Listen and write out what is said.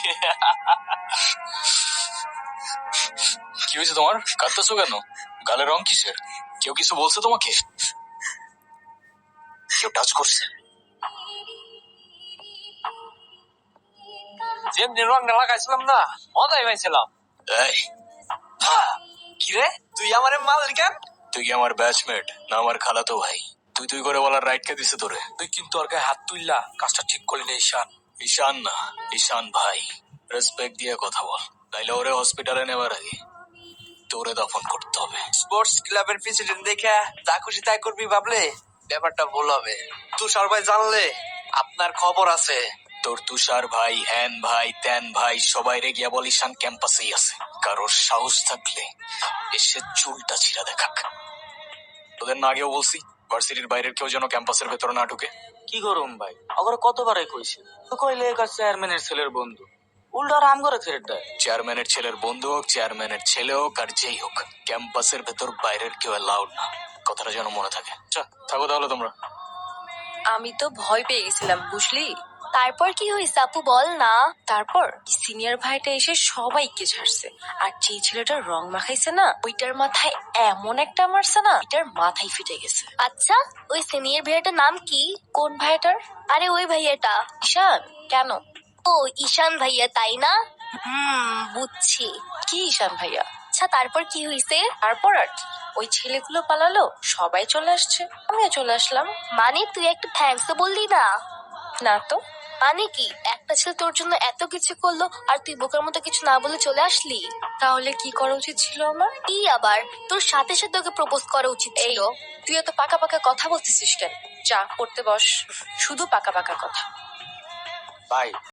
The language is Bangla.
কি হয়েছে তোমার? কাঁদতেছো কেন? গালে রং কিসের? কেউ কিছু বলছে তোমাকে? কেউ টাচ করছে? যেমনি রংটা লাগাইছিলাম না, মজাই পাইছিলাম। কিরে, তুই আমার মালের কেন? তুই কি আমার ব্যাচমেট না আমার খালাতো ভাই? তুই তুই করে বলার রাইট কে দিছে তোরে? তুই কিন্তু ওর গায়ে হাত তুললা, কাজটা ঠিক করলি না ঈশান। ঈশান না, ঈশান ভাই। রেসপেক্ট দিয়ে কথা বল, নাইলে ওরে হসপিটালে নেবার আগে তোরে দফন করতে হবে। স্পোর্টস ক্লাবের প্রেসিডেন্ট দেখে যা খুশি তাই করবি ভাবলে ব্যাপারটা ভুল হবে। তুষার ভাই জানলে আপনার খবর আছে। তোর তুষার ভাই, হ্যান ভাই, ত্যান ভাই সবাই রে গিয়া বল ঈশান ক্যাম্পাসেই আছে। কারোর সাহস থাকলে এসে চুলটা ছিঁড়া দেখাক। তোদের না আগেও বলছি ভার্সিটির বাইরের কেউ যেন ক্যাম্পাসের ভেতরে না ঢুকে। কি করুম ভাই, অগর কতবারই কইছি, তো কইলে একার চেয়ারম্যানের ছেলের বন্ধু, উল্টা রাম করে ছেড়ে দেয়। চেয়ারম্যানের ছেলের বন্ধু হোক, চেয়ারম্যানের ছেলে হোক, আর যেই হোক, ক্যাম্পাসের ভেতর বাইরের কেউ অ্যালাউড না। কথাটা যেন মনে থাকে। থাকো তাহলে তোমরা। আমি তো ভয় পেয়ে গেছিলাম বুঝলি। তারপর কি হয়েছে আপু বল না। তারপর সিনিয়র ভাইটা এসে সবাইকে ছাড়ছে, আর যে ছেলেটা রং মাখাইছে না ওইটার মাথায় এমন একটা মারছে না, এটার মাথায় ফিটে গেছে। আচ্ছা, ওই সিনিয়র ভাইয়াটার নাম কি? কোন ভাইটার? আরে ওই ভাইয়াটা। ঈশান। কেন? ও ঈশান ভাইয়া তাই না? বুঝছি। কি ঈশান ভাইয়া? আচ্ছা তারপর কি হয়েছে? তারপর আর কি, ওই ছেলেগুলো পালালো, সবাই চলে আসছে, আমিও চলে আসলাম। মানে তুই একটা থ্যাঙ্কস তো বললি না? না তো। মানে কি, একটা ছেলে তোর জন্য এত কিছু করলো আর তুই বোকার মতো কিছু না বলে চলে আসলি? তাহলে কি করা উচিত ছিল আমার? কি আবার, তোর সাথে সাথে ওকে প্রপোজ করা উচিত ছিল। তুই এত পাকা পাকা কথা বলতেছিস কেন? যা পড়তে বস, শুধু পাকা পাকা কথা। ভাই